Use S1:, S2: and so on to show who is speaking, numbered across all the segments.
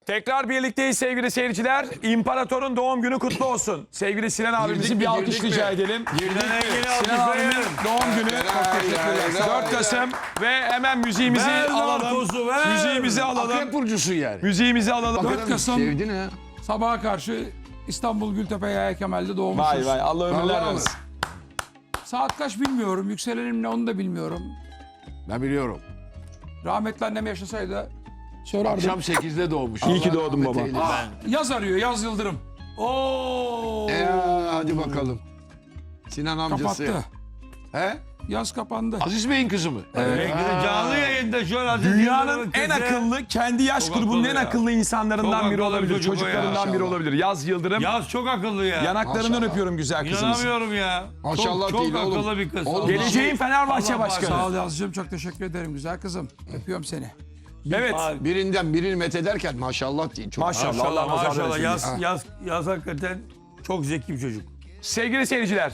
S1: Tekrar birlikteyiz sevgili seyirciler. İmparatorun doğum günü kutlu olsun. Sevgili Sinan abimizin bir alkış rica edelim. Sinan abimin doğum günü. 4 Kasım ve hemen müziğimizi alalım. Müziğimizi alalım.
S2: Akrep burcusun yani.
S1: Müziğimizi alalım.
S3: 4 Kasım
S2: Sevdin ha.
S3: sabaha karşı İstanbul Gültepe Yahya Kemal'de doğmuşuz.
S1: Vay vay, Allah ömürler
S2: Allah
S1: versin.
S3: Saat kaç bilmiyorum. Yükselenim ne onu da bilmiyorum.
S2: Ben biliyorum.
S3: Rahmetli annem yaşasaydı sorardım.
S2: Akşam 8'de doğmuş.
S1: İyi ki
S2: Allah
S1: doğdun
S2: rahmet
S1: baba.
S2: eylesin.
S3: Yaz arıyor, Yaz Yıldırım.
S4: Oo.
S2: Hadi bakalım. Sinan amcası.
S3: Kapattı.
S2: He?
S3: Yaz kapandı.
S2: Aziz Bey'in kızı mı?
S4: Canlı yayında şu an Aziz
S1: Dünyanın
S4: Yıldırım'ın
S1: en
S4: kızı.
S1: akıllı, kendi yaş
S4: Çok
S1: grubunun
S4: akıllı
S1: en
S4: ya.
S1: akıllı insanlarından
S4: Çok
S1: biri
S4: akıllı
S1: olabilir.
S4: çocuk o ya.
S1: Çocuklarından biri
S2: Maşallah.
S1: olabilir. Yaz Yıldırım.
S4: Yaz çok akıllı ya.
S1: Yanaklarından
S2: Maşallah.
S1: öpüyorum güzel kızınızı.
S4: İnanamıyorum ya.
S2: Maşallah
S4: çok,
S2: değil
S4: çok
S2: oğlum.
S4: akıllı bir kız.
S2: Oğlum,
S1: Geleceğin Fenerbahçe
S4: Allah
S1: Başkanı.
S3: Sağ ol Yazıcığım, çok teşekkür ederim güzel kızım. Öpüyorum seni.
S1: Evet.
S2: Birinden birini methederken maşallah değil. Çok
S1: Maşallah. Allah nazar
S4: Maşallah.
S1: değmesin.
S4: Yaz hakikaten çok zeki bir çocuk.
S1: Sevgili seyirciler.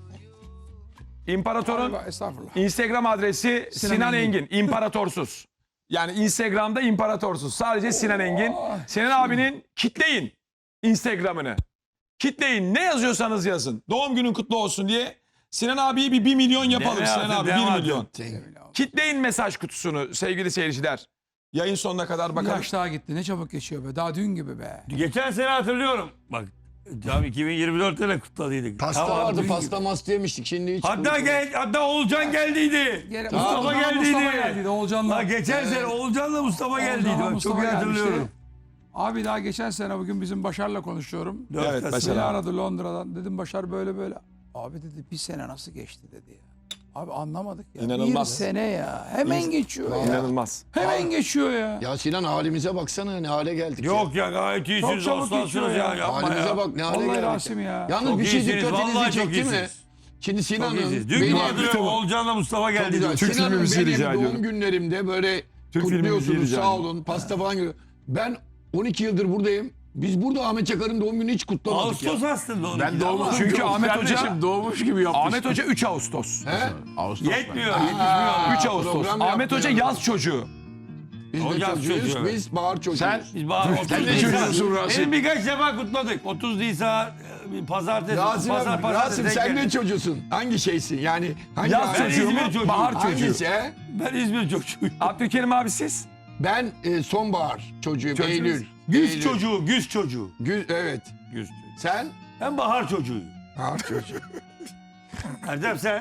S1: İmparatorun
S3: Estağfurullah.
S1: Instagram adresi Sinan
S3: Engin.
S1: Engin. İmparatorsuz. Yani Instagram'da imparatorsuz. Sadece Sinan Engin. Sinan abinin kitleyin Instagram'ını. Kitleyin. Ne yazıyorsanız yazın. Doğum günün kutlu olsun diye. Sinan abiyi bir 1 milyon yapalım.
S4: Deme
S1: Sinan
S4: artık,
S1: abi
S4: deme
S1: 1
S4: artık.
S1: milyon. Kitleyin mesaj kutusunu sevgili seyirciler. Yayın sonuna kadar
S3: Bir
S1: bakalım.
S3: yaş daha gitti. Ne çabuk geçiyor be. Daha dün gibi be.
S4: Geçen sene hatırlıyorum. Bak tam 2024'te de kutladıydık.
S2: Pasta
S4: Tamam,
S2: vardı,
S4: dün
S2: pasta
S4: gibi.
S2: masta yemiştik. Şimdi hiç
S4: Hatta Oğulcan geldiydi. Mustafa geldiydi.
S3: Mustafa geldiydi. Oğulcan'la.
S4: Ha, geçen sene Oğulcan'la Mustafa geldiydi.
S3: Oğulcan'la
S4: Bak,
S3: Mustafa
S4: çok iyi
S3: gelmişti.
S4: hatırlıyorum.
S3: Abi daha geçen sene bugün bizim Başar'la konuşuyorum.
S4: Dört
S1: Evet,
S4: Kasım.
S1: Başar
S3: Beni
S1: abi.
S3: aradı Londra'dan. Dedim Başar böyle böyle. Abi dedi bir sene nasıl geçti dedi ya. Abi anlamadık ya.
S1: İnanılmaz.
S3: Bir sene ya. Hemen geçiyor ya.
S1: İnanılmaz.
S3: Hemen geçiyor ya.
S2: Ya Sinan halimize baksana ne hale geldik.
S4: Yok ya gayet iyisiniz.
S3: Çok çabuk
S4: Aslansınız
S3: geçiyor
S4: ya.
S3: ya.
S4: Yapma
S2: Halimize
S4: ya.
S2: bak ne hale
S3: Vallahi
S2: geldik.
S3: Rasim ya.
S2: Yalnız
S4: Çok
S2: bir şey
S4: iyisiniz,
S2: dikkatinizi
S4: vallahi çok
S2: çekti mi?
S4: iyisiniz.
S2: Şimdi
S4: Çok
S2: Sinan'ın
S4: iyisiniz. Dün gibi
S2: benim,
S4: hatırlıyorum. Oğulcan'la Mustafa
S2: çok
S4: geldiydi.
S2: güzel.
S1: Türk
S2: Sinan'ın
S1: filmi müziği
S2: benim
S1: rica
S2: doğum
S1: ediyorum.
S2: günlerimde böyle
S1: Türk filmi müziği
S2: kutluyorsunuz
S1: rica
S2: sağ
S1: ediyorum.
S2: olun pasta falan gibi. Ben 12 yıldır buradayım. Biz burada Ahmet Çakar'ın doğum gününü hiç kutlamadık
S4: Ağustos
S2: ya.
S4: aslında onu.
S2: Ben doğmadım.
S1: Çünkü Ahmet Hoca
S2: doğmuş gibi yapmış.
S1: Ahmet Hoca 3 Ağustos.
S2: He?
S4: Yetmiyor. Yetişmiyor.
S1: 3 Ağustos.
S2: program
S1: Ahmet
S2: yaptı
S1: Hoca
S2: ya.
S1: yaz çocuğu.
S2: Biz de
S4: O yaz
S2: çocuğuyuz,
S4: çocuğu, evet.
S2: biz bahar çocuğuyuz.
S1: Sen
S4: Biz bahar 30
S2: ne
S4: Nisan.
S2: çocuğusun Rasim?
S4: Benim birkaç defa kutladık. 30 Nisan pazartesi.
S2: Rasim, Rasim sen ne çocuğusun? Hangi şeysin? Yani hangi
S1: Yaz
S2: aile?
S4: Ben
S1: çocuğu
S4: İzmir
S1: mu?
S4: çocuğuyum.
S1: Bahar çocuğu.
S2: Hangisi he?
S4: Ben İzmir çocuğuyum.
S1: Abdülkerim abi siz?
S2: Ben sonbahar çocuğuyum.
S1: Çocuğunuz.
S2: Eylül.
S4: Güz
S2: Eylül.
S4: çocuğu, güz çocuğu.
S2: Evet.
S4: Güz çocuğu.
S2: Sen?
S4: Ben bahar çocuğuyum.
S2: Bahar çocuğu.
S4: Erdem sen?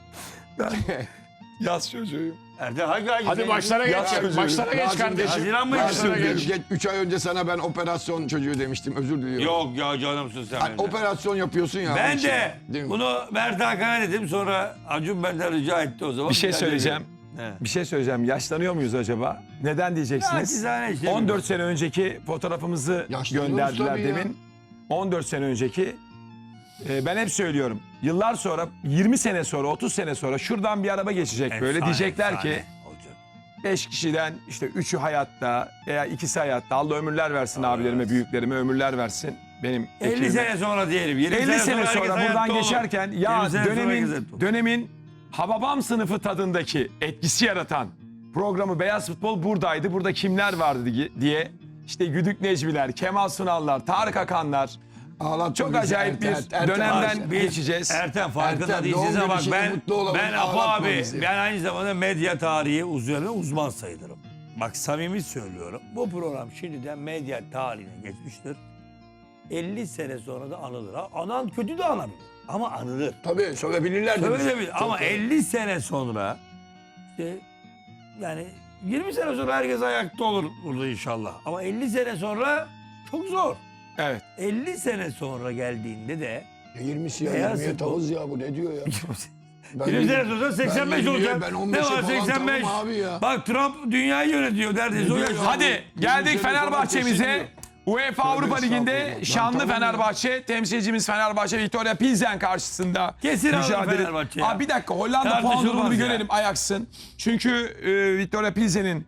S1: Yaz çocuğuyum.
S4: Erdem hangi
S2: Hadi başlara geç.
S1: Yaz çocuğu.
S2: Başlara geç kardeşim.
S4: Haziran mı?
S2: Başlara
S4: Başlara
S2: geç. 3 ay önce sana ben operasyon çocuğu demiştim. Özür diliyorum.
S4: Yok ya canımsın sen.
S2: Hani
S4: benim.
S2: operasyon yapıyorsun ya. onun
S4: Ben
S2: için.
S4: de
S2: Değil mi?
S4: bunu Mert Hakan'a dedim, sonra Acun benden rica etti o zaman.
S1: Bir şey
S4: Ben de
S1: söyleyeceğim.
S4: dedim. He.
S1: Bir şey söyleyeceğim. Yaşlanıyor muyuz acaba? Neden diyeceksiniz?
S4: Naçizane işte.
S1: 14 sene önceki fotoğrafımızı
S2: Yaşlanıyoruz
S1: gönderdiler
S2: tabii ya.
S1: demin. 14 sene önceki. Ben hep söylüyorum. Yıllar sonra, 20 sene sonra, 30 sene sonra şuradan bir araba geçecek böyle.
S4: Efsane,
S1: Diyecekler
S4: efsane
S1: ki
S4: olacak.
S1: 5 kişiden işte 3'ü hayatta veya ikisi hayatta. Allah ömürler versin abilerime, büyüklerime ömürler versin. Benim
S4: 50
S1: ekibime.
S4: sene sonra diyelim. 20
S1: 50 sene
S4: herkes
S1: sonra
S4: hayatta
S1: buradan
S4: olur.
S1: geçerken
S4: 20
S1: ya
S4: sene sonra herkes hayatta olur.
S1: dönemin Hababam sınıfı tadındaki etkisi yaratan programı Beyaz Futbol buradaydı. Burada kimler vardı diye işte Güdük Necmiler, Kemal Sunallar, Tarık Akanlar.
S2: Ağlatma
S1: Çok
S2: bizi,
S1: acayip bir
S2: Ertem.
S1: dönemden
S4: Biz-
S1: geçeceğiz.
S4: Ertem farkında
S2: Ertem,
S4: değilsiniz
S2: doğum
S4: ama
S2: günü
S4: bak
S2: şimdi mutlu olalım,
S4: ben Apo
S2: ağlatma
S4: abi,
S2: bizi.
S4: ben aynı zamanda medya tarihi üzerine uzman sayılırım. Bak samimi söylüyorum. Bu program şimdiden medya tarihine geçmiştir. 50 sene sonra da anılır. Ha, anan kötü de anabilir ama anılır.
S2: Tabii sövebilirler de.
S4: Öyle bir
S2: Çok
S4: ama
S2: doğru.
S4: 50 sene sonra işte yani 20 sene sonra herkes ayakta olur burada inşallah. Ama 50 sene sonra çok zor.
S1: Evet.
S4: 50 sene sonra geldiğinde de
S2: 20'si ya,
S4: Beyaz
S2: 20'ye
S4: futbol.
S2: tavız ya bu ne diyor ya?
S4: 20 sene sonra 85 olacak.
S2: Ben
S4: Ne
S2: 15'e
S4: var
S2: falan
S4: 85?
S2: tamam abi ya.
S4: Bak Trump dünyayı yönetiyor neredeyse o
S2: diyor
S4: yaş.
S2: ya?
S1: Hadi geldik
S2: sene sonra
S1: Fenerbahçe'mize.
S2: kesin
S1: UEFA Avrupa
S2: Tövbe
S1: Ligi'nde
S2: estağfurullah.
S1: şanlı
S2: Tamam ya.
S1: Fenerbahçe, temsilcimiz Fenerbahçe Viktoria Pilsen karşısında
S4: Kesin alır Fenerbahçe ya.
S1: Aa, bir dakika Hollanda puan
S4: Tartışılmaz
S1: durumunu bir
S4: ya.
S1: görelim Ajax'ın. Çünkü Viktoria Pilsen'in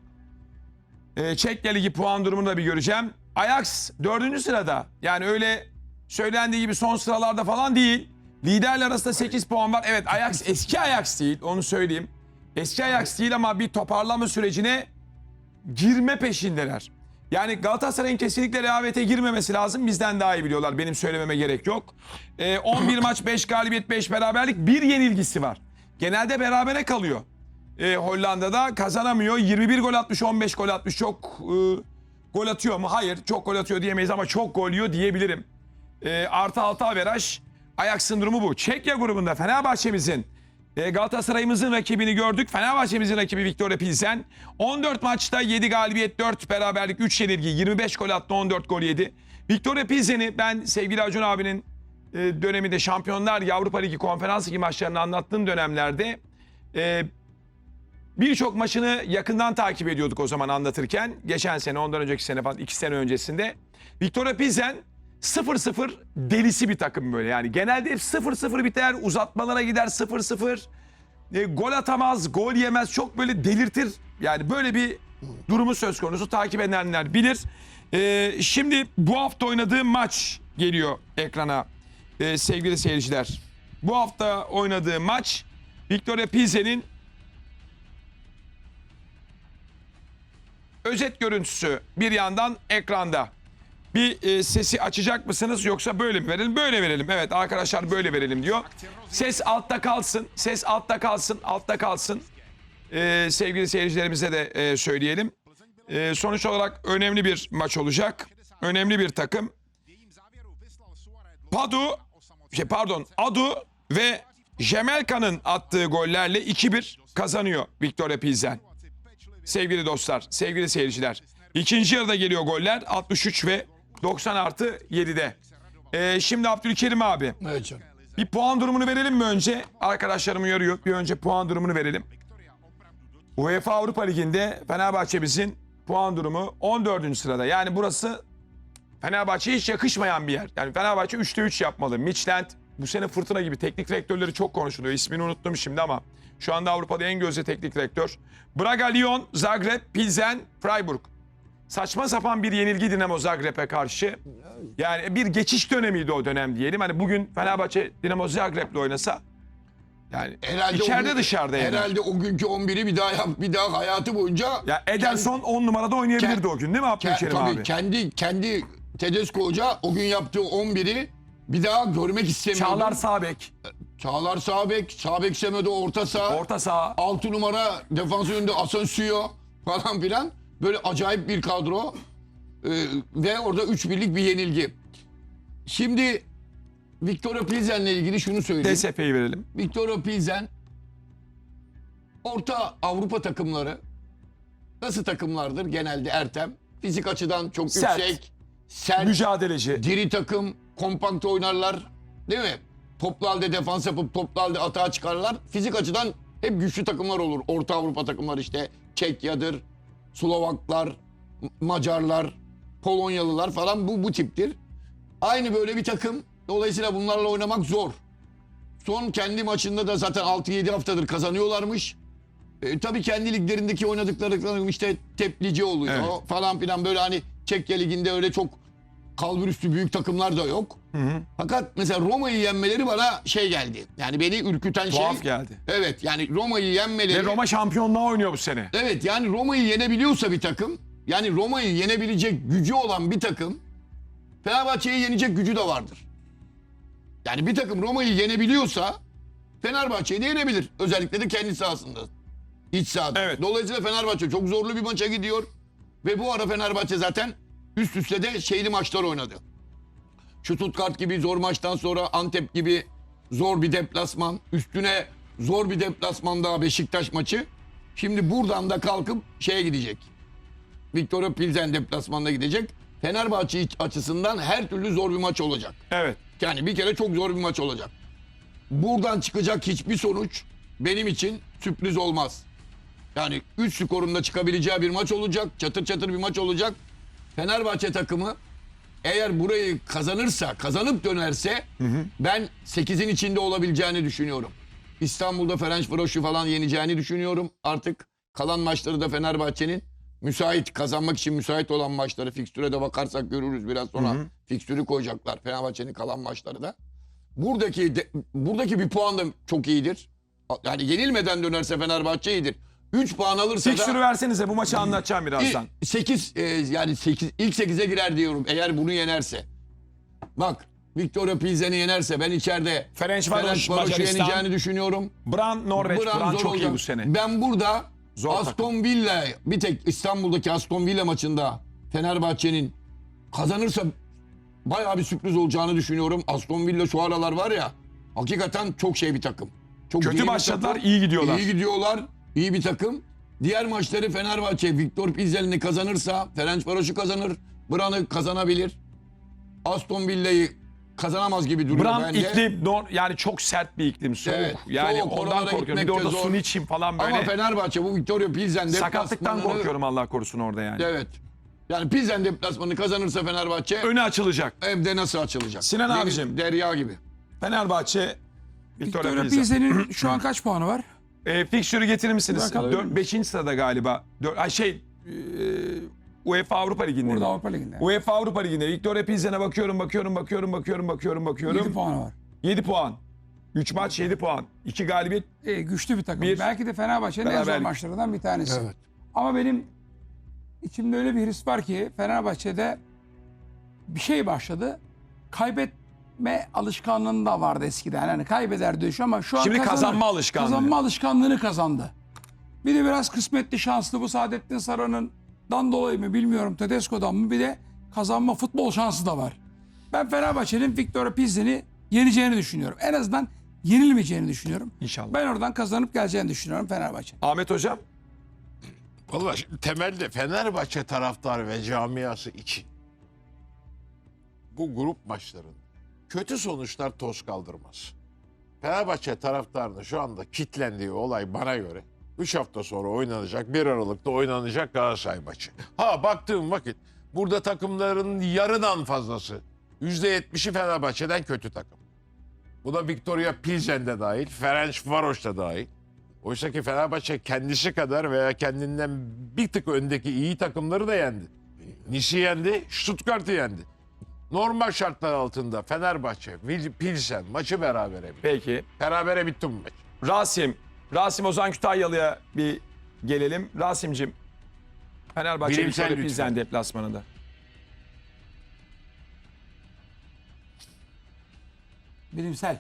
S1: Çekya Ligi puan durumunu da bir göreceğim. Ajax 4. sırada. Yani öyle söylendiği gibi son sıralarda falan değil. Liderler arasında 8 puan var. Evet Ajax eski Ajax değil onu söyleyeyim. Eski Ajax değil ama bir toparlama sürecine girme peşindeler. Yani Galatasaray'ın kesinlikle rehavete girmemesi lazım. Bizden daha iyi biliyorlar. Benim söylememe gerek yok. 11 maç 5 galibiyet 5 beraberlik, bir yenilgisi var. Genelde berabere kalıyor. Hollanda'da kazanamıyor. 21 gol atmış, 15 gol atmış. Çok gol atıyor mu? Hayır. Çok gol atıyor diyemeyiz ama çok gol yiyor diyebilirim. Artı 6 averaj. Ajax'ın durumu bu. Çekya grubunda Fenerbahçe'mizin, Galatasaray'ımızın rakibini gördük. Fenerbahçe'mizin rakibi Viktoria Pilsen. 14 maçta 7 galibiyet, 4 beraberlik, 3 yenilgi, 25 gol attı, 14 gol yedi. Viktoria Pilsen'i ben sevgili Acun abinin döneminde Şampiyonlar Ligi, Avrupa Ligi, Konferans Ligi maçlarını anlattığım dönemlerde birçok maçını yakından takip ediyorduk o zaman anlatırken. Geçen sene, ondan önceki sene falan, 2 sene öncesinde. Viktoria Pilsen 0-0 delisi bir takım böyle. Yani genelde hep 0-0 biter, uzatmalara gider 0-0. Gol atamaz, gol yemez, çok böyle delirtir. Yani böyle bir durumu söz konusu, takip edenler bilir. Şimdi bu hafta oynadığı maç geliyor ekrana sevgili seyirciler. Bu hafta oynadığı maç Viktoria Pilsen'in özet görüntüsü bir yandan ekranda. Bir sesi açacak mısınız yoksa böyle mi verelim? Böyle verelim. Evet arkadaşlar böyle verelim diyor. Ses altta kalsın. Ses altta kalsın. Altta kalsın. Sevgili seyircilerimize de söyleyelim. Sonuç olarak önemli bir maç olacak. Önemli bir takım. Adu ve Jemelka'nın attığı gollerle 2-1 kazanıyor Viktoria Pilsen. Sevgili dostlar, sevgili seyirciler. İkinci yarıda geliyor goller. 63 ve 90+7'de. Şimdi Abdülkerim abi.
S2: Evet canım.
S1: Bir puan durumunu verelim mi önce? Arkadaşlarım uyarıyor. Bir önce puan durumunu verelim. UEFA Avrupa Ligi'nde Fenerbahçe'mizin puan durumu 14. sırada. Yani burası Fenerbahçe'ye hiç yakışmayan bir yer. Yani Fenerbahçe 3'te 3 yapmalı. Midtjylland bu sene fırtına gibi, teknik direktörleri çok konuşuluyor. İsmini unuttum şimdi ama şu anda Avrupa'da en gözde teknik direktör. Braga, Lyon, Zagreb, Pilsen, Freiburg. Saçma sapan bir yenilgi Dinamo Zagreb'e karşı. Yani bir geçiş dönemiydi o dönem diyelim. Hani bugün Fenerbahçe Dinamo Zagreb'le oynasa yani
S2: Herhalde
S1: içeride dışarıda yani.
S2: Herhalde o günkü 11'i bir daha hayatı boyunca
S1: Ya Ederson 10 numarada oynayabilirdi o gün değil mi Abdülkerim abi?
S2: kendi Tedesco Hoca o gün yaptığı 11'i bir daha görmek istemiyordu.
S1: Çağlar sağ bek,
S2: Çağlar sağ bek Semedo orta saha.
S1: orta saha.
S2: 6 numara defans önünde Asensio falan filan. Böyle acayip bir kadro. Ve orada 3-1'lik bir yenilgi. Şimdi Viktoria Pilsen'le ilgili şunu söyleyeyim.
S1: DSP'yi verelim.
S2: Viktoria Pilsen Orta Avrupa takımları nasıl takımlardır genelde Ertem? Fizik açıdan çok
S1: Sert.
S2: yüksek, sert,
S1: Mücadeleci.
S2: diri takım, kompakt oynarlar. Değil mi? Toplu halde defans yapıp toplu halde atağa çıkarlar. Fizik açıdan hep güçlü takımlar olur. Orta Avrupa takımları işte Çekya'dır, Slovaklar, Macarlar, Polonyalılar falan bu tiptir. Aynı böyle bir takım. Dolayısıyla bunlarla oynamak zor. Son kendi maçında da zaten 6-7 haftadır kazanıyorlarmış. Tabii kendi liglerindeki oynadıkları işte teplici oluyor
S1: Evet.
S2: falan filan, böyle hani Çekya Ligi'nde öyle çok kalburüstü büyük takımlar da yok. Fakat mesela Roma'yı yenmeleri bana şey geldi. Yani beni ürküten
S1: Tuhaf geldi.
S2: Evet, yani Roma'yı yenmeleri.
S1: Ve Roma şampiyonluğa oynuyor bu sene.
S2: Evet, yani Roma'yı yenebiliyorsa bir takım, yani Roma'yı yenebilecek gücü olan bir takım, Fenerbahçe'yi yenecek gücü de vardır. Yani bir takım Roma'yı yenebiliyorsa Fenerbahçe'yi de yenebilir. Özellikle de kendi sahasında. İç sahada.
S1: Evet.
S2: Dolayısıyla Fenerbahçe çok zorlu bir maça gidiyor. Ve bu ara Fenerbahçe zaten üst üste de şeyli maçlar oynadı. Stuttgart gibi zor maçtan sonra Antep gibi zor bir deplasman. Üstüne zor bir deplasman daha Beşiktaş maçı. Şimdi buradan da kalkıp şeye gidecek. Viktoria Pilsen deplasmanına gidecek. Fenerbahçe açısından her türlü zor bir maç olacak.
S1: Evet.
S2: Yani bir kere çok zor bir maç olacak. Buradan çıkacak hiçbir sonuç benim için sürpriz olmaz. Yani 3 skorunda çıkabileceği bir maç olacak. Çatır çatır bir maç olacak. Fenerbahçe takımı eğer burayı kazanırsa, kazanıp dönerse ben 8'in içinde olabileceğini düşünüyorum. İstanbul'da Ferencvaros'u falan yeneceğini düşünüyorum. Artık kalan maçları da Fenerbahçe'nin müsait, kazanmak için müsait olan maçları, fikstüre de bakarsak görürüz biraz sonra. Fikstürü koyacaklar Fenerbahçe'nin kalan maçları da. Buradaki bir puan da çok iyidir. Yani yenilmeden dönerse Fenerbahçe iyidir. 3 puan alırsa
S1: Fikstürü
S2: da
S1: versenize, bu maçı anlatacağım birazdan.
S2: 8 yani 8 ilk 8'e girer diyorum eğer bunu yenerse. Bak Victoria Pilsen'i yenerse ben içeride
S1: Ferencvaroş,
S2: Varoş'u
S1: Macaristan.
S2: yeneceğini düşünüyorum.
S1: Bran Norveç. Bran
S2: zor
S1: çok iyi
S2: olacak.
S1: bu sene.
S2: Ben burada
S1: Zor
S2: Aston Villa bir tek İstanbul'daki Aston Villa maçında Fenerbahçe'nin kazanırsa bayağı bir sürpriz olacağını düşünüyorum. Aston Villa şu aralar var ya hakikaten çok şey bir takım. Çok iyi
S1: Kötü
S2: bir
S1: başladılar,
S2: takım.
S1: iyi gidiyorlar.
S2: İyi gidiyorlar. İyi bir takım. Diğer maçları Fenerbahçe Victor Pilsen'i kazanırsa Ferencvaros'u kazanır. Bran'ı kazanabilir. Aston Villa'yı kazanamaz gibi duruyor
S1: Bran
S2: bence.
S1: iklim yani çok sert bir iklim, soğuk.
S2: Evet,
S1: Yani
S2: soğuk,
S1: ondan
S2: oralara
S1: korkuyorum. Bir de
S2: gitmek
S1: orada
S2: de zor.
S1: Suniçim falan böyle.
S2: Ama Fenerbahçe bu Victoria Pilsen
S1: Sakatlıktan
S2: deplasmanını-
S1: korkuyorum, Allah korusun orada yani.
S2: Evet. Yani Pilsen deplasmanını kazanırsa Fenerbahçe
S1: Önü açılacak.
S2: evde nasıl açılacak?
S1: Sinan
S2: Deniz,
S1: abicim.
S2: Derya gibi.
S1: Fenerbahçe Victoria
S3: Victoria
S1: Pilsen.
S3: Pilsen'in şu an kaç puanı var?
S1: Fikstürü getirir misiniz?
S3: Bakalım.
S1: 5. sırada galiba. UEFA Avrupa Ligi'nde.
S3: Burada Avrupa Ligi'nde.
S1: UEFA Avrupa Ligi'nde. Victoria Pilsen'e bakıyorum.
S3: 7 puanı var.
S1: 7 puan. 3 maç 7 puan. 2 galibiyet.
S3: Güçlü bir takım.
S1: Bir-
S3: Belki de Fenerbahçe'nin en zor
S1: Beraberlik.
S3: maçlarından bir tanesi.
S2: Evet.
S3: Ama benim içimde öyle bir his var ki Fenerbahçe'de bir şey başladı. Kaybetme alışkanlığında da vardı eskiden. Yani kaybederdi şu ama şu an
S1: Şimdi
S3: kazanır.
S1: kazanma alışkanlığı.
S3: Kazanma alışkanlığını kazandı. Bir de biraz kısmetli şanslı bu Saadettin Saran'dan dolayı mı bilmiyorum, Tedesco'dan mı, bir de kazanma futbol şansı da var. Ben Fenerbahçe'nin Victoria Pilsen'i yeneceğini düşünüyorum. En azından yenilmeyeceğini düşünüyorum.
S1: İnşallah.
S3: Ben oradan kazanıp geleceğini düşünüyorum Fenerbahçe.
S1: Ahmet Hocam.
S5: Vallahi şimdi temelde Fenerbahçe taraftarı ve camiası için bu grup maçların kötü sonuçlar toz kaldırmaz. Fenerbahçe taraftarının şu anda kitlendiği olay bana göre 3 hafta sonra oynanacak, 1 Aralık'ta oynanacak Galatasaray maçı. Ha baktığım vakit burada takımların yarıdan fazlası, %70'i Fenerbahçe'den kötü takım. Bu da Victoria Pilsen'de dahil, Ferencvaros da dahil. Oysa ki Fenerbahçe kendisi kadar veya kendinden bir tık öndeki iyi takımları da yendi. Nice'i yendi, Stuttgart'ı yendi. Normal şartlar altında Fenerbahçe, Pilsen maçı berabere bitti.
S1: Peki.
S5: Berabere bitti bu maç.
S1: Rasim Ozan Kütahyalı'ya bir gelelim. Rasim'cim. Fenerbahçe
S5: Bilimsel
S1: Victoria
S5: lütfen.
S1: Pilsen deplasmanında.
S3: Bilimsel.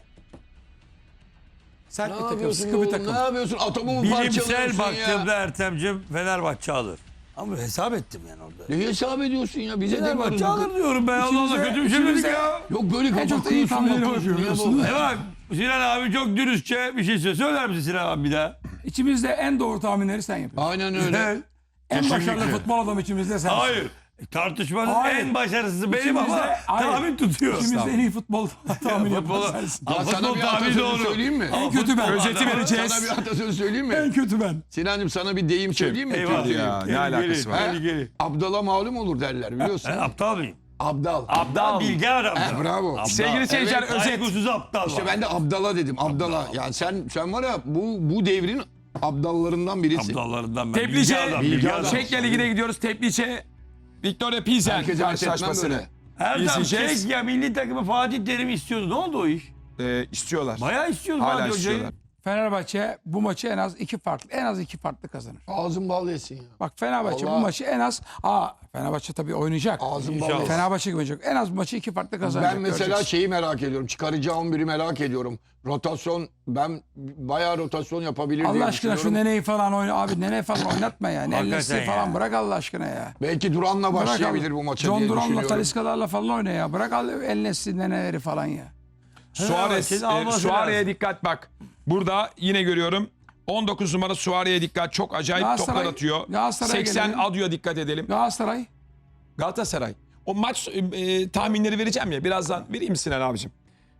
S3: Sert
S2: Ne
S3: bir takım,
S2: yapıyorsun
S3: sıkı bir
S2: oğlum?
S3: takım.
S2: Ne yapıyorsun? Atomu mu
S4: Bilimsel
S2: parçalıyorsun
S4: baktığımda
S2: ya?
S4: Ertem'cim Fenerbahçe alır. Ama hesap ettim yani orada.
S2: Ne hesap ediyorsun ya? Bize
S4: Fenerbahçe
S2: demiyoruz.
S4: alır diyorum ben. Allah Allah, kötü bir şey dedik ya.
S2: Yok böyle
S3: En çok da
S2: kafa
S3: iyi
S2: kırıyorsun.
S3: tahminleri
S2: bakıyorsun.
S3: bakıyorsun.
S2: Ya bu-
S4: Bak Sinan abi çok dürüstçe bir şey söylüyor. Söyler misin Sinan abi bir daha?
S3: İçimizde en doğru tahminleri sen yapıyorsun.
S2: Aynen öyle.
S3: En başarılı
S5: Kesinlikle.
S3: futbol adamı içimizde sensin.
S4: Hayır. Tartışmanın
S3: Hayır.
S4: en başarısızı benim
S3: İçimizde-
S4: ama
S3: hayır.
S4: tahmin tutuyor.
S3: İçimizde en iyi futbol tahmini yapan
S4: Futbolu-
S3: sensin.
S2: Ya sana
S4: futbol
S2: bir
S4: tahmini
S2: atasözü
S4: doğru.
S2: söyleyeyim mi?
S3: En kötü ben.
S1: Özeti vereceğiz.
S2: Sana bir atasözü söyleyeyim mi?
S3: En kötü ben.
S2: Sinancığım sana bir deyim söyleyeyim mi?
S4: Eyvallah.
S2: Türk
S1: Ya,
S2: deyimi.
S1: ne alakası var?
S4: Tehlikeli.
S2: Abdala malum olur derler biliyorsun.
S4: Ben aptal mıyım?
S2: Abdal.
S1: Abdal.
S4: Bilge adam.
S2: Bravo.
S4: Aptal.
S1: Sevgili seyirciler,
S2: Evet,
S1: özet.
S4: Saygısız aptal
S2: İşte
S4: var.
S2: ben de Abdala dedim. Abdala. Yani sen var ya bu devrin Abdallarından birisin.
S4: Aptallarından ben.
S1: Teplice,
S2: bilgi adam.
S1: Çekya Ligi'ne gidiyoruz. Teplice, Victoria Pilsen
S2: Herkese dert etmem
S1: karşılaşmasını
S2: böyle.
S4: Erdem
S1: izleyeceğiz.
S4: Çekya milli takımı Fatih Terim istiyordu. Ne oldu o iş?
S1: istiyorlar.
S4: Bayağı istiyordu
S1: Hala
S4: Fatih Hoca'yı.
S1: istiyorlar.
S3: Fenerbahçe bu maçı en az iki farklı kazanır.
S2: Ağzın bal yesin ya.
S3: Bak Fenerbahçe
S2: Vallahi-
S3: bu maçı en az Fenerbahçe tabii oynayacak.
S2: Ağzın bal
S4: İnşallah.
S2: yesin.
S3: Fenerbahçe gibi oynayacak. En az bu maçı iki farklı kazanacak.
S2: Ben mesela
S3: göreceksin.
S2: şeyi merak ediyorum. Çıkaracağı 11'i merak ediyorum. Rotasyon ben bayağı rotasyon yapabilir diye
S3: Allah aşkına şu
S2: düşünüyorum.
S3: Nene'yi falan oyna. Abi Nene falan oynatma ya.
S4: Hakikaten
S3: Nellesi
S4: ya.
S3: falan bırak Allah aşkına ya.
S2: Belki Duran'la
S3: Bırak
S2: başlayabilir
S3: abi.
S2: bu maça
S3: John
S2: diye
S3: Duran'la,
S2: düşünüyorum.
S3: Talisca'larla falan oyna ya. Bırak Ennesi Nene'leri falan ya.
S4: Fenerbahçe'nin alması
S1: Suare'ye
S4: lazım.
S1: dikkat bak. Burada yine görüyorum. 19 numara Suare'ye dikkat. Çok acayip
S3: Galatasaray-
S1: toplar atıyor.
S3: Galatasaray'a
S1: 80
S3: gelelim.
S1: Adio'ya dikkat edelim.
S3: Galatasaray.
S1: Galatasaray. O maç tahminleri vereceğim ya. Birazdan vereyim Sinan abicim.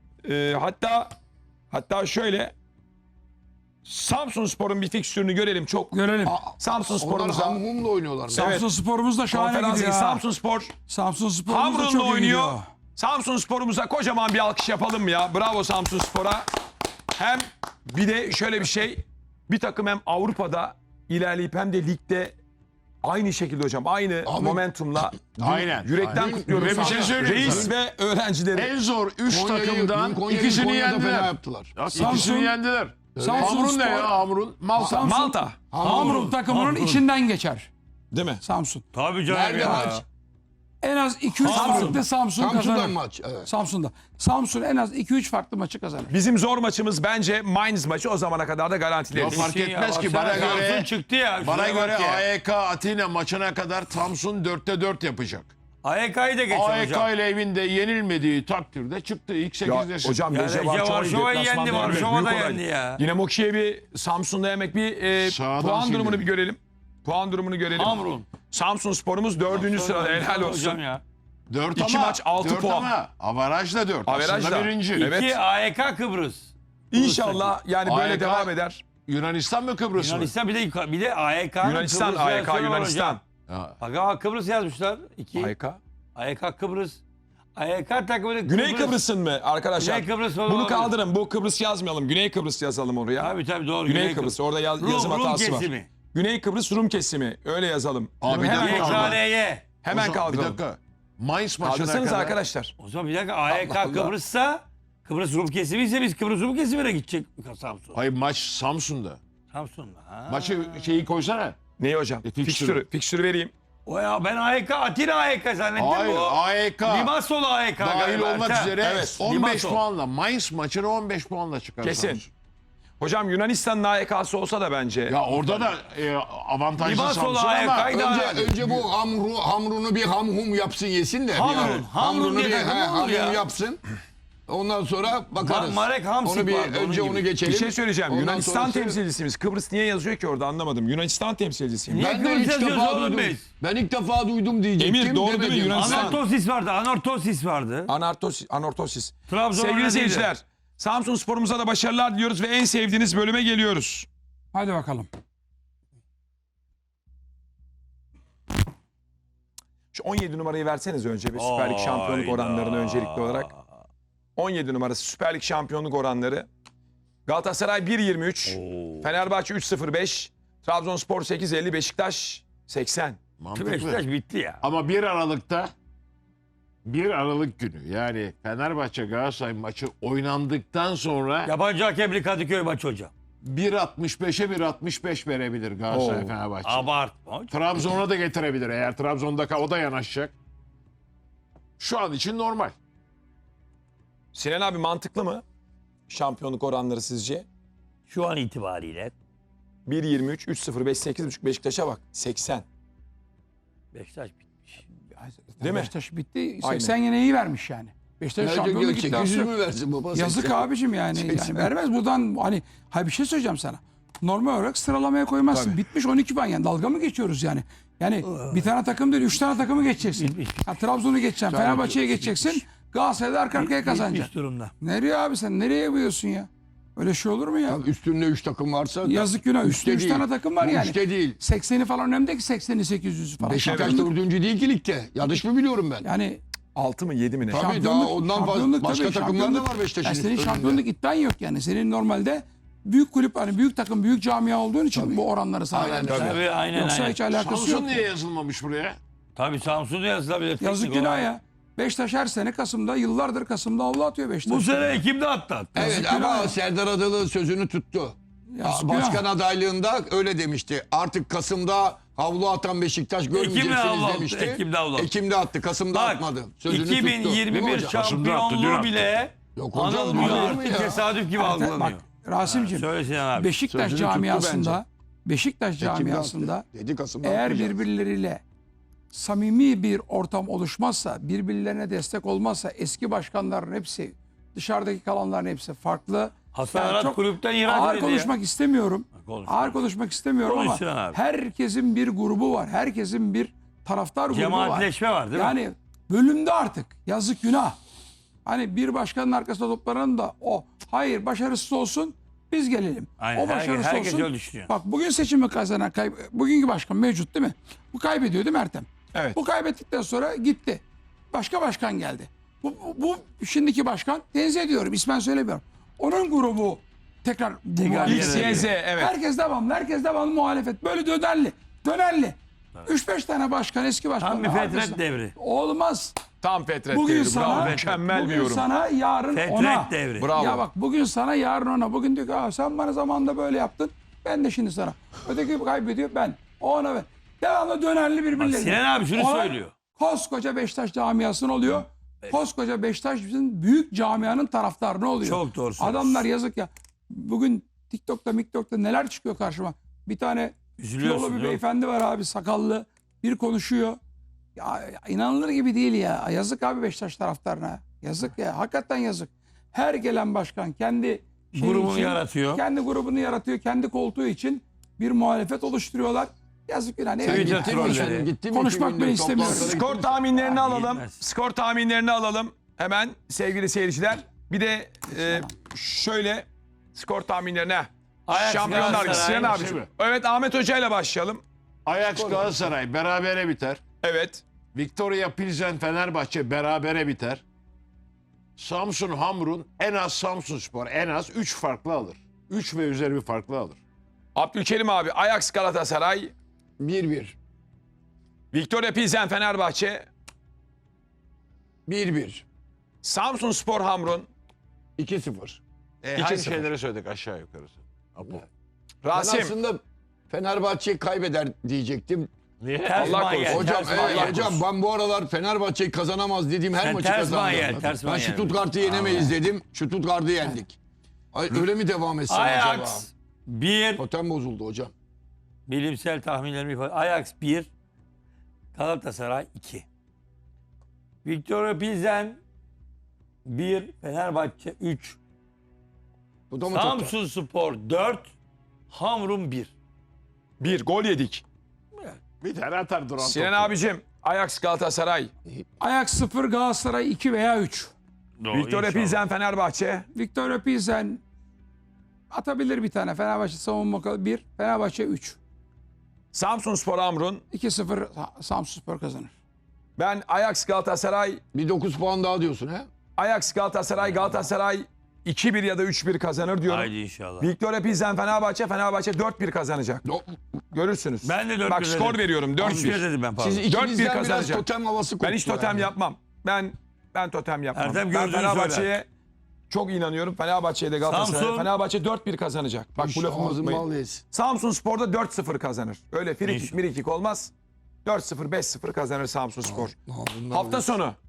S1: Hatta şöyle Samsunspor'un bir fikstürünü görelim. Çok
S3: Görelim.
S2: Onlar
S1: Samsunspor'umuza
S2: Hamhum'la oynuyorlar.
S3: Samsun Spor'umuz da şahane
S1: konferans
S3: gidiyor.
S1: ligi
S3: ha.
S1: Samsunspor
S3: Samsun Spor'umuz da
S1: Hamrun'la
S3: çok iyi
S1: oynuyor.
S3: gidiyor.
S1: Samsunspor'umuza kocaman bir alkış yapalım mı ya? Bravo Samsunspor'a. Hem bir de şöyle bir şey. Bir takım hem Avrupa'da ilerleyip hem de ligde aynı şekilde hocam. Aynı
S2: Abi,
S1: momentumla
S5: Aynen.
S1: yürekten
S2: Aynen.
S1: kutluyorum.
S5: Ve bir şey söyleyeyim
S1: Reis
S5: sana.
S1: ve öğrencileri.
S5: En zor 3
S2: Konya'yı-
S5: takımdan
S2: dün Konya'yı
S5: ikisini
S2: Konya'da fena
S5: yendiler.
S2: yaptılar.
S5: Ya,
S3: Samsun-
S5: İkisini yendiler.
S3: Samsun
S5: Hamrun ne
S3: Spor-
S5: ya Hamrun? Malta.
S3: Samsun-
S1: Malta.
S3: Hamrun takımının
S4: Hamrun.
S3: içinden geçer
S1: Değil mi?
S3: Samsun.
S4: Tabii canım
S2: Nerede
S4: ya.
S2: maç?
S3: En az 2-3 farklı Samsun
S2: Samsun'dan
S3: kazanır.
S2: maç. Evet.
S3: Samsun'da. Samsun en az 2-3 farklı maçı kazanır.
S1: Bizim zor maçımız bence Mainz maçı, o zamana kadar da garantileriz.
S5: Yok, fark etmez ki, bana
S4: Baksana,
S5: göre-
S4: Samsun çıktı ya.
S5: Bana
S4: Şuraya
S5: göre
S4: bak ya.
S5: AEK Atina maçına kadar Samsun 4'te 4 yapacak.
S4: AEK'yı da geçer
S5: AEK
S4: hocam.
S5: ile evinde yenilmediği takdirde çıktı ilk
S1: Ya
S5: 8'desin.
S1: hocam
S4: Ya
S1: Lece
S4: Lece
S1: Varşova'yı
S4: Varşova'yı
S1: deplasmanda
S4: yendi,
S1: yenmek
S4: Varşova da
S1: büyük olay.
S4: yendi ya.
S1: Dinamo Kiev'i Samsun'da yemek bir
S5: Sağdan
S1: puan
S5: sildi.
S1: durumunu bir görelim. Puan durumunu görelim.
S4: Hamrun.
S1: Samsun Spor'umuz 4. sırada, helal olsun.
S4: Hocam ya.
S5: 4
S1: İki
S5: ama,
S1: maç, 6
S5: 4
S1: puan.
S5: ama avarajla 4.
S1: Averajla.
S5: Aslında birinci.
S1: Evet.
S4: 2 AEK Kıbrıs.
S1: İnşallah yani böyle
S5: AEK
S1: devam eder.
S5: Yunanistan mı Kıbrıs mı?
S4: Yunanistan bir de AEK'nın
S1: Yunanistan,
S4: Kıbrıs
S1: AEK
S4: versiyonu var
S1: Yunanistan.
S4: hocam.
S5: Ha.
S4: Bak ama Kıbrıs yazmışlar. 2.
S1: AEK.
S4: AEK Kıbrıs. AEK takımı
S1: Güney Kıbrıs'ın mı arkadaşlar?
S4: Güney Kıbrıs falan
S1: Bunu
S4: olabilir.
S1: kaldırın. Bu Kıbrıs yazmayalım. Güney Kıbrıs yazalım oraya.
S4: Tabii doğru.
S1: Güney Kıbrıs. Orada yazım
S4: Rum
S1: hatası var.
S4: kesimi.
S1: Güney Kıbrıs Rum kesimi. Öyle yazalım.
S5: Abi,
S1: hemen
S5: bir dakika.
S1: kaldıralım.
S4: YKL'ye.
S1: Hemen
S5: O zaman, bir
S1: kaldıralım.
S5: dakika. Mainz maçına
S1: Kaldırsanız
S5: kadar.
S1: arkadaşlar.
S4: O zaman bir dakika AEK
S5: Allah Allah.
S4: Kıbrıs'sa Kıbrıs Rum kesimi ise biz Kıbrıs Rum kesimine gidecek Samsun.
S5: Hayır, maç Samsun'da.
S4: Samsun'da. Ha.
S5: Maçı şeyi koysana.
S1: Neyi hocam?
S5: Fikstürü.
S1: Fikstürü vereyim.
S4: O ya ben AEK Atina AEK zannettim
S5: Hayır,
S4: bu.
S5: AEK
S4: Limassol AEK
S5: dahil
S4: galiba.
S5: olmak
S4: Ha,
S5: üzere
S1: evet,
S5: 15
S4: Limassol.
S5: puanla. Mainz maçını 15 puanla çıkar.
S1: Kesin.
S5: Samsun.
S1: Hocam Yunanistan'ın AEK'sı olsa da bence.
S5: Ya orada da avantajlı
S4: Limassol
S5: Samsun ama
S4: AEK'yı da
S2: Önce bu hamrunu bir hamhum yapsın yesin de.
S4: Hamrun,
S2: Yani.
S4: hamrun diye
S2: bir
S4: takım olur
S2: hamhum
S4: ya.
S2: yapsın. Ondan sonra bakarız.
S4: Marek Hamsik
S2: onu bir
S4: vardı, onun
S2: önce
S4: gibi.
S2: onu geçelim.
S1: Bir şey söyleyeceğim.
S2: Ondan
S1: Yunanistan
S2: sonrası-
S1: temsilcisimiz. Kıbrıs niye yazıyor ki orada, anlamadım. Yunanistan temsilcisiyim.
S4: Niye
S2: Ben de
S4: Kıbrıs
S2: ilk
S4: yazıyoruz
S2: defa
S4: oğlum
S2: duydum.
S4: biz?
S2: Ben ilk defa duydum diyecektim.
S1: Emir, doğru değil mi?
S2: demedim.
S1: Yunanistan.
S4: Anortosis vardı. Anortosis vardı.
S1: Anortosis.
S4: Trabzon
S1: Sevgili
S4: öyle
S1: seyirciler, Samsun Spor'umuza da başarılar diliyoruz ve en sevdiğiniz bölüme geliyoruz.
S3: Hadi bakalım.
S1: Şu 17 numarayı verseniz önce bir Süper Lig şampiyonluk oranlarını öncelikli olarak. 17 numarası Süper Lig şampiyonluk oranları. Galatasaray 1.23, Fenerbahçe 3.05, Trabzonspor 8.50, Beşiktaş 80.
S5: mantıklı.
S4: Beşiktaş bitti ya.
S5: Ama 1 Aralık'ta 1 Aralık günü yani Fenerbahçe Galatasaray maçı oynandıktan sonra
S4: Yabancı hakemli Kadıköy maçı hocam.
S5: 1.65'e 1.65 verebilir Galatasaray
S1: Oo.
S5: Fenerbahçe.
S4: Abartma.
S5: Trabzon'a da getirebilir eğer Trabzon'da o da yanaşacak. Şu an için normal.
S1: Sinan abi, mantıklı mı şampiyonluk oranları sizce?
S4: Şu an itibariyle
S1: 1.23, 3.05, 8.5 Beşiktaş'a bak 80.
S4: Beşiktaş bitmiş.
S1: Değil mi?
S3: Beşiktaş bitti.
S1: Aynen.
S3: 80 yine iyi vermiş yani. Beşiktaş
S2: Nerede
S3: şampiyonluk
S2: diyor,
S3: iddiası
S2: 800
S3: yok.
S2: mü versin baba?
S3: Yazık
S2: 80.
S3: abicim yani.
S2: 80.
S3: Vermez buradan hani hayır, bir şey söyleyeceğim sana. Normal olarak sıralamaya koymazsın.
S1: Tabii.
S3: Bitmiş 12 puan yani. Dalga mı geçiyoruz yani? Yani bir tane takım değil 3 tane takımı geçeceksin. Ha, Trabzon'u geçeceksin. Fenerbahçe'ye geçeceksin. Galatasaray'da arka arkaya kazanacaksın.
S4: Bitmiş durumda.
S3: Nereye abi sen? Nereye yapıyorsun ya? Öyle şey olur mu ya?
S2: Tabii üstünde 3 takım varsa.
S3: Yazık günah. Üstte 3
S2: değil.
S3: tane takım var
S2: Bu
S3: yani.
S2: Üçte değil.
S3: 80'i falan önemli değil ki 80'i 800'ü falan.
S2: Beşiktaş
S3: Şampiyonluk-
S2: 4. değil ki ligde. Yanlış mı biliyorum ben?
S3: Yani
S1: 6 mı 7 mi ne?
S2: Tabii
S3: şampiyonluk-
S2: daha ondan
S3: şampiyonluk
S2: başka
S3: tabii,
S2: takımlar da
S3: şampiyonluk.
S2: var Beşiktaş'ın.
S3: Yani senin
S2: önünde.
S3: şampiyonluk iddian yok yani. Senin normalde büyük kulüp hani büyük takım büyük camia olduğun için bu oranları sana
S2: Aynen,
S3: vermişler.
S2: tabii.
S4: Tabii aynen
S3: Yoksa
S4: aynen.
S3: hiç alakası yok.
S5: Samsun niye yazılmamış buraya?
S4: Tabii Samsun'da yazılabilir.
S3: Yazık
S4: teknik
S3: günah
S4: olarak.
S3: ya. Beşiktaş her sene Kasım'da yıllardır Kasım'da avlu atıyor Beşiktaş.
S4: Bu sene Ekim'de attı.
S2: Evet
S3: Yazık
S2: ama
S3: günah ya.
S2: Serdar Adalı sözünü tuttu.
S3: Yazık
S2: Başkan
S3: günah.
S2: adaylığında öyle demişti. Artık Kasım'da havlu atan Beşiktaş
S4: Ekim'de havlu
S2: görmeyeceksiniz
S4: attı,
S2: demişti.
S4: Ekim'de havlu attı.
S2: Ekim'de attı. Kasım'da
S4: Bak
S2: atmadı. Sözünü tuttu. Değil mi
S4: 2021
S2: hocam?
S4: şampiyonluğu bile
S2: Yok hocam,
S4: anılmıyor
S2: olur mu
S4: artık,
S2: ya?
S4: tesadüf gibi algılanıyor.
S3: Bak Rasim'ciğim
S4: Söyle Sinan abi.
S3: Beşiktaş
S2: Sözünü tuttu
S3: camiasında Beşiktaş
S2: Ekim'de
S3: camiasında
S2: attı. Dedi Kasım'da
S3: eğer
S2: atmayacağız.
S3: birbirleriyle samimi bir ortam oluşmazsa, birbirlerine destek olmazsa eski başkanların hepsi, dışarıdaki kalanların hepsi farklı.
S4: Hasan
S3: Yani
S4: Arat
S3: çok
S4: kulüpten ihraç
S3: ağır
S4: edildi.
S3: konuşmak istemiyorum.
S4: Konuş.
S3: Ağır konuşmak istemiyorum
S4: Konuş
S3: ama
S4: Sinan abi.
S3: herkesin bir grubu var. Herkesin bir taraftar grubu var.
S4: Cemaatleşme var değil mi?
S3: Yani bölümde artık yazık günah. Hani bir başkanın arkasında toplanan da o hayır başarısız olsun biz gelelim.
S4: Aynen,
S3: O başarısız
S4: herkes
S3: olsun.
S4: öyle düşünüyor.
S3: Bak bugün seçimi kazanan bugünkü başkan mevcut değil mi? Bu kaybediyor değil mi Ertem?
S1: Evet.
S3: Bu kaybettikten sonra gitti. Başka başkan geldi. Bu şimdiki başkan tenzih ediyorum ismen söylemiyorum. Onun grubu tekrar
S1: X, Y, Z, evet.
S3: Herkes devamlı muhalefet. Böyle dönerli. 3-5 tane başkan eski başkan.
S4: Tam bir fetret devri.
S3: Olmaz.
S1: Tam Fetret
S3: Bugün
S1: devri.
S3: sana,
S1: Bravo. Mükemmel bir
S3: bugün
S1: yorum.
S3: sana, yarın
S4: Fetret
S3: ona.
S4: devri.
S1: Bravo.
S3: Ya bak bugün sana, yarın ona. Bugün diyor ki "Aa, sen bana zamanında böyle yaptın. Ben de şimdi sana." Öteki kaybediyor, ben. O ona ben. Devamlı dönerli
S4: Bak,
S3: birbirlerine.
S4: Sinan abi şunu
S3: Ona
S4: söylüyor.
S3: Koskoca Beşiktaş camiasının oluyor. Koskoca Beşiktaş'ın büyük camianın taraftarı oluyor.
S4: Çok doğru söylüyorsun.
S3: Adamlar yazık ya. Bugün TikTok'ta neler çıkıyor karşıma. Bir tane
S4: Üzülüyorsun,
S3: kilolu bir
S4: değil mi?
S3: beyefendi var abi, sakallı. Bir konuşuyor. Ya inanılır gibi değil ya. Yazık abi Beşiktaş taraftarına. Yazık ya. Hakikaten yazık. Her gelen başkan kendi şeyi
S4: Grubunu
S3: için,
S4: yaratıyor.
S3: Kendi grubunu yaratıyor. Kendi koltuğu için bir muhalefet oluşturuyorlar. Yazık günah. Ne
S4: Twitter
S3: bileyim.
S4: trolleri.
S2: Gittim
S3: Konuşmak
S2: 2000'de
S3: ben istemiyorum.
S2: toplantılara
S1: Skor
S2: gittim.
S1: tahminlerini alalım.
S4: Yetmez.
S1: Skor tahminlerini alalım. Hemen sevgili seyirciler. Bir de şöyle skor tahminlerine.
S4: Ajax
S1: Şampiyonlar Ligi.
S4: Galatasaray.
S1: Sinan abiciğim.
S5: Şimdi.
S1: Evet, Ahmet Hoca ile başlayalım.
S5: Ajax Galatasaray berabere biter.
S1: Evet.
S5: Victoria Pilsen Fenerbahçe berabere biter. Samsun Hamrun en az Samsunspor en az 3 farklı alır. 3 ve üzeri bir farklı alır.
S1: Abdülkerim abi, Ajax Galatasaray,
S2: 1-1.
S1: Victoria Pilsen Fenerbahçe,
S2: 1-1.
S1: Samsunspor Hamrun,
S2: 2-0.
S5: Hangi
S1: 2-0.
S5: şeyleri söyledik aşağı yukarısı? Apo.
S2: Ben
S1: Rasim.
S2: aslında Fenerbahçe kaybeder diyecektim.
S5: Niye?
S1: Allah
S4: Allah
S1: korusun.
S4: korusun.
S2: Hocam,
S1: Allah
S2: hocam
S1: korusun.
S2: ben bu aralar Fenerbahçe kazanamaz dediğim her
S4: Sen
S2: maçı
S4: ters
S2: kazandım.
S4: manyel, ters
S2: Ben
S4: manyel.
S2: Stuttgart'ı yenemeyiz dedim. Stuttgart'ı yendik. Ay, öyle mi devam etsin acaba?
S4: Ajax 1.
S2: Totem bozuldu hocam.
S4: Bilimsel tahminlerimi ifade. Ajax 1. Galatasaray 2. Victoria Pilsen 1. Fenerbahçe 3.
S2: Bu da mı totem?
S4: Samsunspor 4. Hamrun 1.
S1: Bir gol yedik.
S5: Bir tane atar duran
S1: Sinan
S5: topu.
S1: abicim, Ajax Galatasaray,
S3: Ajax 0, Galatasaray 2 veya 3.
S1: Victoria Pilsen Fenerbahçe,
S3: Victoria Pilsen atabilir bir tane. Fenerbahçe savunma 1, Fenerbahçe 3.
S1: Samsunspor Hamrun.
S3: 2-0 Samsunspor kazanır.
S1: Ben Ajax Galatasaray,
S2: Bir 9 puan daha diyorsun he?
S1: Ajax Galatasaray, Galatasaray 2-1 ya da 3-1 kazanır diyorum.
S4: Haydi inşallah.
S1: Victoria Pilsen Fenerbahçe, Fenerbahçe 4-1 kazanacak. Görürsünüz.
S4: Ben de 4-1
S1: Bak
S4: dedim.
S1: skor veriyorum
S4: 3-1
S1: 4-1.
S4: dedim ben pardon.
S2: Siz ikinizden biraz
S1: kazanacak.
S2: totem havası
S1: Ben hiç
S2: koktu
S1: totem
S2: yani.
S1: yapmam. Ben totem yapmam.
S4: Ertem
S1: Ben
S4: gördüğünü
S1: Fenerbahçe'ye çok inanıyorum. Fenerbahçe'ye de Galatasaray'a.
S4: Samsun.
S1: Fenerbahçe 4-1 kazanacak. Bak bu lafımı
S2: Ağzın
S1: unutmayın.
S2: bal yesin.
S1: Samsun Spor'da 4-0 kazanır. Öyle frikik
S4: İnşallah.
S1: mirikik olmaz. 4-0 5-0 kazanır Samsun Spor.
S2: Ağzın bal
S1: Hafta
S2: yesin.
S1: sonu.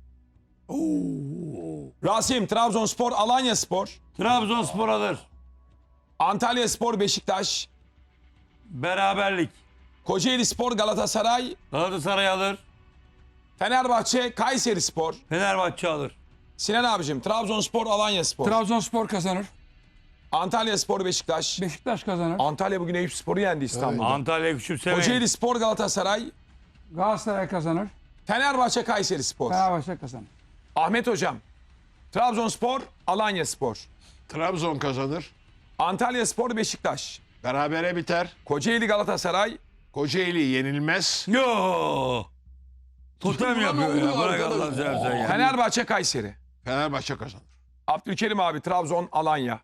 S1: Rasim, Trabzonspor, Alanya Spor,
S4: Trabzonspor alır.
S1: Antalya Spor, Beşiktaş,
S4: Beraberlik.
S1: Kocaeli Spor, Galatasaray,
S4: Galatasaray alır.
S1: Fenerbahçe, Kayseri Spor.
S4: Fenerbahçe alır.
S1: Sinan abicim, Trabzonspor, Alanya Spor,
S3: Trabzonspor kazanır.
S1: Antalya Spor, Beşiktaş.
S3: Beşiktaş kazanır.
S1: Antalya bugün Eyüp Spor'u yendi İstanbul'da.
S4: Antalya küçümsemeyin.
S1: Kocaeli Spor, Galatasaray,
S3: Galatasaray kazanır.
S1: Fenerbahçe, Kayseri Spor.
S3: Fenerbahçe kazanır.
S1: Ahmet hocam, Trabzonspor, Alanya Spor,
S5: Trabzon kazanır.
S1: Antalya Spor, Beşiktaş,
S5: Berabere biter.
S1: Kocaeli, Galatasaray,
S5: Kocaeli yenilmez.
S4: Yo. Totem
S2: Buna
S4: yapıyor
S2: ne
S4: ya.
S2: oluyor
S4: Bırak
S2: arkadaş?
S4: Allah'ını seversen ya.
S1: Fenerbahçe, Kayseri.
S5: Fenerbahçe kazanır.
S1: Abdülkerim abi, Trabzon, Alanya.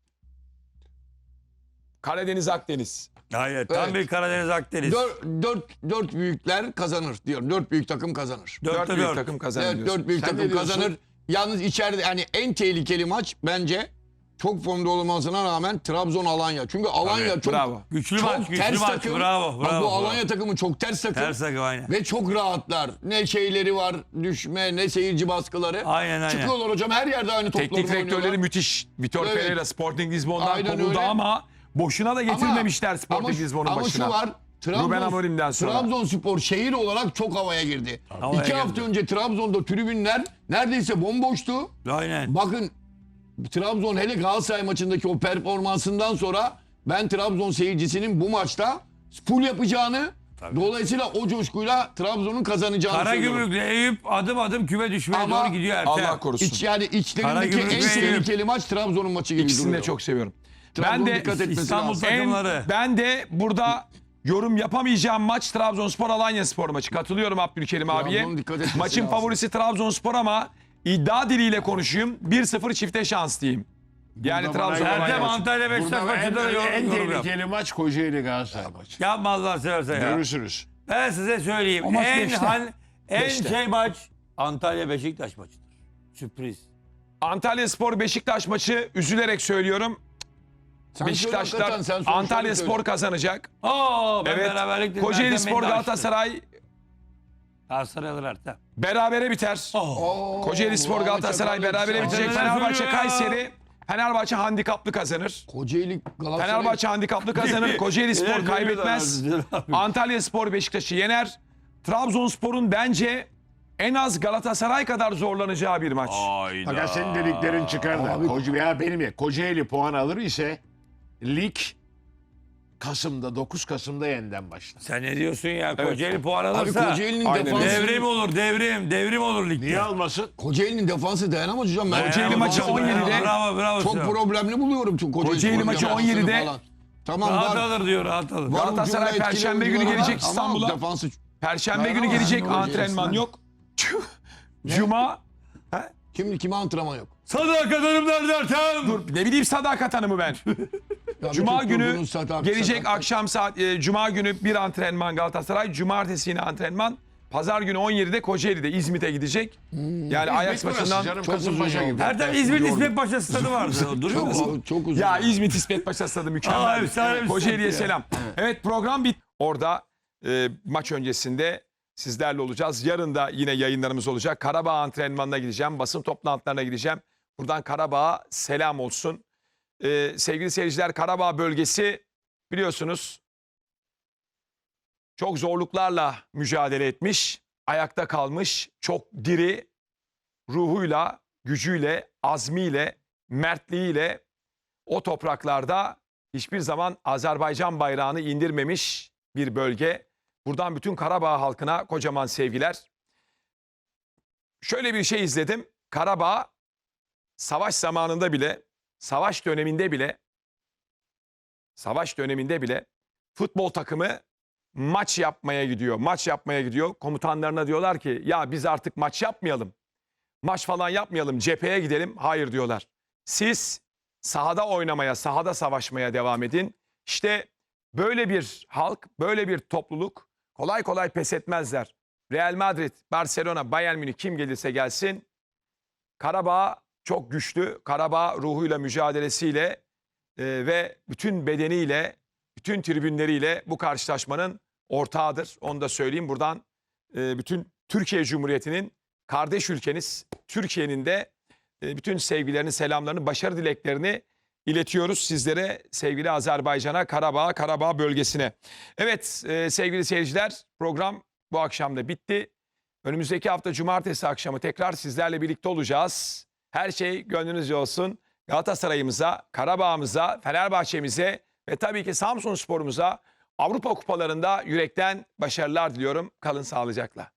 S1: Karadeniz, Akdeniz.
S4: Hayır. Tam
S2: Evet.
S4: bir Karadeniz Akdeniz.
S2: Dört büyükler kazanır diyor. 4 büyük takım kazanır.
S1: 4
S4: 4'te
S1: büyük
S4: 4.
S1: takım kazanır
S2: Evet,
S1: diyorsun.
S2: 4 büyük
S5: Sen ne
S2: takım
S5: diyorsun?
S2: kazanır. Yalnız içeride yani en tehlikeli maç bence çok formda olmasına rağmen Trabzon Alanya. Çünkü Alanya
S1: Tabii,
S2: çok
S1: bravo.
S4: Güçlü
S2: çok
S4: maç, güçlü
S2: ters
S4: maç.
S2: takım.
S4: Bravo,
S2: Bak
S4: bravo.
S2: bu Alanya takımı çok ters takım.
S4: Ters takım aynen.
S2: Ve çok rahatlar. Ne şeyleri var, düşme, ne seyirci baskıları.
S4: Aynen.
S2: Çıkıyorlar hocam her yerde aynı topları
S1: Teknik direktörleri
S2: oynuyorlar.
S1: müthiş. Vitor
S2: Evet.
S1: Pereira Sporting Lisbon'dan
S2: Aynen
S1: kovuldu
S2: öyle.
S1: ama boşuna da getirmemişler Sporting
S2: ama,
S1: Lisbon'un
S2: ama
S1: başına.
S2: şu var.
S1: Ruben Amorim'den sonra.
S2: Trabzonspor şehir olarak çok havaya girdi.
S4: Havaya
S2: 2 hafta
S4: girdi.
S2: önce Trabzon'da tribünler neredeyse bomboştu.
S4: Aynen.
S2: Bakın Trabzon hele Galatasaray maçındaki o performansından sonra ben Trabzon seyircisinin bu maçta full yapacağını dolayısıyla o coşkuyla Trabzon'un kazanacağını söylüyorum.
S4: Karagümrük'le Eyüp adım adım küme düşmeye
S2: Ama
S4: doğru gidiyor Ertem.
S1: Allah korusun.
S2: Yani içlerindeki
S4: Karagümrük
S2: en
S4: ve
S2: tehlikeli maç Trabzon'un maçı gibi
S1: İkisini
S2: duruyor.
S1: de çok seviyorum.
S2: Trabzon
S1: Ben de
S2: dikkat etmesi
S4: İstanbul
S2: lazım.
S4: takımları.
S1: ben de burada yorum yapamayacağım maç Trabzonspor Alanya Spor maçı. Katılıyorum Abdülkerim abiye.
S2: Trabzon'un dikkat etmesi
S1: Maçın
S2: lazım.
S1: favorisi Trabzonspor ama iddia diliyle konuşayım. 1-0 çifte şans diyeyim. Yani
S5: Burada bana
S1: Trabzon
S5: göre-
S1: Alanya
S4: Ertem
S1: maçı.
S4: Antalya Beşiktaş
S5: Burada
S4: maçında da
S5: en
S4: yorum yap.
S5: tehlikeli maç Kocaeli Galatasaray maçı.
S4: Yapma Allah'ını seversen ya.
S5: Görürsünüz.
S4: Ben size söyleyeyim.
S3: O maç
S4: En
S3: beşte.
S4: en
S2: Beşte.
S4: şey maç Antalya Beşiktaş maçıdır. Sürpriz.
S1: Antalyaspor Beşiktaş maçı, üzülerek söylüyorum.
S2: Sen
S1: Beşiktaşlar
S2: söyle hakikaten, sen sonuçları
S1: Antalyaspor
S2: söyle.
S1: kazanacak.
S4: Ben
S1: Evet.
S4: beraberlik dedim.
S1: Kocaeli
S4: Ertem
S1: Spor
S4: beni de açtı.
S1: Galatasaray
S4: Galatasaray alır Ertem.
S1: berabere biter.
S2: Oo,
S1: Kocaeli Spor
S2: Ahmet
S1: Galatasaray
S2: Çakar
S1: berabere
S2: yetişti.
S1: bitecek.
S4: Neler
S1: Fenerbahçe
S4: söylüyor ya?
S1: Kayseri. Fenerbahçe handikaplı kazanır.
S2: Kocaeli Galatasaray.
S1: Fenerbahçe handikaplı kazanır. Kocaeli Spor
S4: Neler
S1: kaybetmez.
S4: söylüyorlar abi?
S1: Antalya Spor Beşiktaş'ı yener. Trabzonspor'un bence en az Galatasaray kadar zorlanacağı bir maç.
S5: Fakat senin dediklerin çıkar da. Kocaeli puan alır ise lig Kasım'da 9 Kasım'da yeniden başlar.
S4: Sen ne diyorsun ya? Kocaeli puan
S2: Abi
S4: alırsa
S2: Kocaeli'nin
S1: Aynen.
S2: defansı.
S4: devrim olur, devrim. Devrim olur ligde.
S5: Niye almasın?
S2: Kocaeli'nin defansı dayanamaz hocam. Ben
S1: Kocaeli maçı 17'de
S4: Bravo.
S2: çok
S4: Sinan.
S2: problemli buluyorum.
S1: Kocaeli
S2: Spor
S1: maçı
S2: defansını
S1: 17'de
S2: falan. Tamam
S4: Rahat
S2: var.
S4: alır diyor, rahat alır.
S2: Var
S1: Galatasaray
S2: ucunda etkili
S1: Perşembe günü
S2: oyuncuları var
S1: gelecek
S2: ama
S1: İstanbul'a.
S2: Defansı
S1: Perşembe günü
S2: Dayanamaz.
S1: gelecek
S2: Ne olacak
S1: antrenman
S2: resmen?
S1: yok. Cuma
S2: kime antrenman yok?
S4: Sadakat Hanımlar Ertem.
S1: dur ne bileyim sadakat hanımı ben.
S2: Ya
S1: Cuma
S2: bütün
S1: günü
S2: kurgunuz sakat-
S1: gelecek
S2: sakat.
S1: akşam saat Cuma günü bir antrenman Galatasaray, cumartesi yine antrenman. Pazar günü 17'de Kocaeli'de İzmit'e gidecek. Yani Ajax
S5: burası
S1: maçından
S5: canım,
S2: çok
S5: Kasımpaşa
S2: uzun
S5: gibi.
S4: Ertem İzmir İsmet Paşa stadı vardı. Duruyor mu?
S2: Çok uzun.
S1: ya İzmit İsmet Paşa stadı
S4: Aa,
S1: mükemmel.
S4: efsane bir
S1: Kocaeli'ye
S4: stat ya.
S1: selam. Evet program bit. Orada maç öncesinde sizlerle olacağız. Yarın da yine yayınlarımız olacak. Karabağ antrenmanına gideceğim. Basın toplantılarına gideceğim. Buradan Karabağ'a selam olsun. Sevgili seyirciler, Karabağ bölgesi biliyorsunuz çok zorluklarla mücadele etmiş. Ayakta kalmış. Çok diri ruhuyla, gücüyle, azmiyle, mertliğiyle o topraklarda hiçbir zaman Azerbaycan bayrağını indirmemiş bir bölge. Buradan bütün Karabağ halkına kocaman sevgiler. Şöyle bir şey izledim. Karabağ savaş zamanında bile, savaş döneminde bile futbol takımı maç yapmaya gidiyor. Maç yapmaya gidiyor. Komutanlarına diyorlar ki ya biz artık maç yapmayalım. Maç falan yapmayalım, cepheye gidelim. Hayır diyorlar. Siz sahada oynamaya, sahada savaşmaya devam edin. İşte böyle bir halk, böyle bir topluluk kolay kolay pes etmezler. Real Madrid, Barcelona, Bayern Münih kim gelirse gelsin. Karabağ çok güçlü. Karabağ ruhuyla, mücadelesiyle ve bütün bedeniyle, bütün tribünleriyle bu karşılaşmanın ortağıdır. Onu da söyleyeyim buradan. Bütün Türkiye Cumhuriyeti'nin kardeş ülkeniz Türkiye'nin de bütün sevgilerini, selamlarını, başarı dileklerini iletiyoruz sizlere, sevgili Azerbaycan'a, Karabağ, Karabağ bölgesine. Evet sevgili seyirciler, program bu akşam da bitti. Önümüzdeki hafta cumartesi akşamı tekrar sizlerle birlikte olacağız. Her şey gönlünüzce olsun. Galatasaray'ımıza, Karabağ'ımıza, Fenerbahçe'mize ve tabii ki Samsunspor'umuza Avrupa kupalarında yürekten başarılar diliyorum. Kalın sağlıcakla.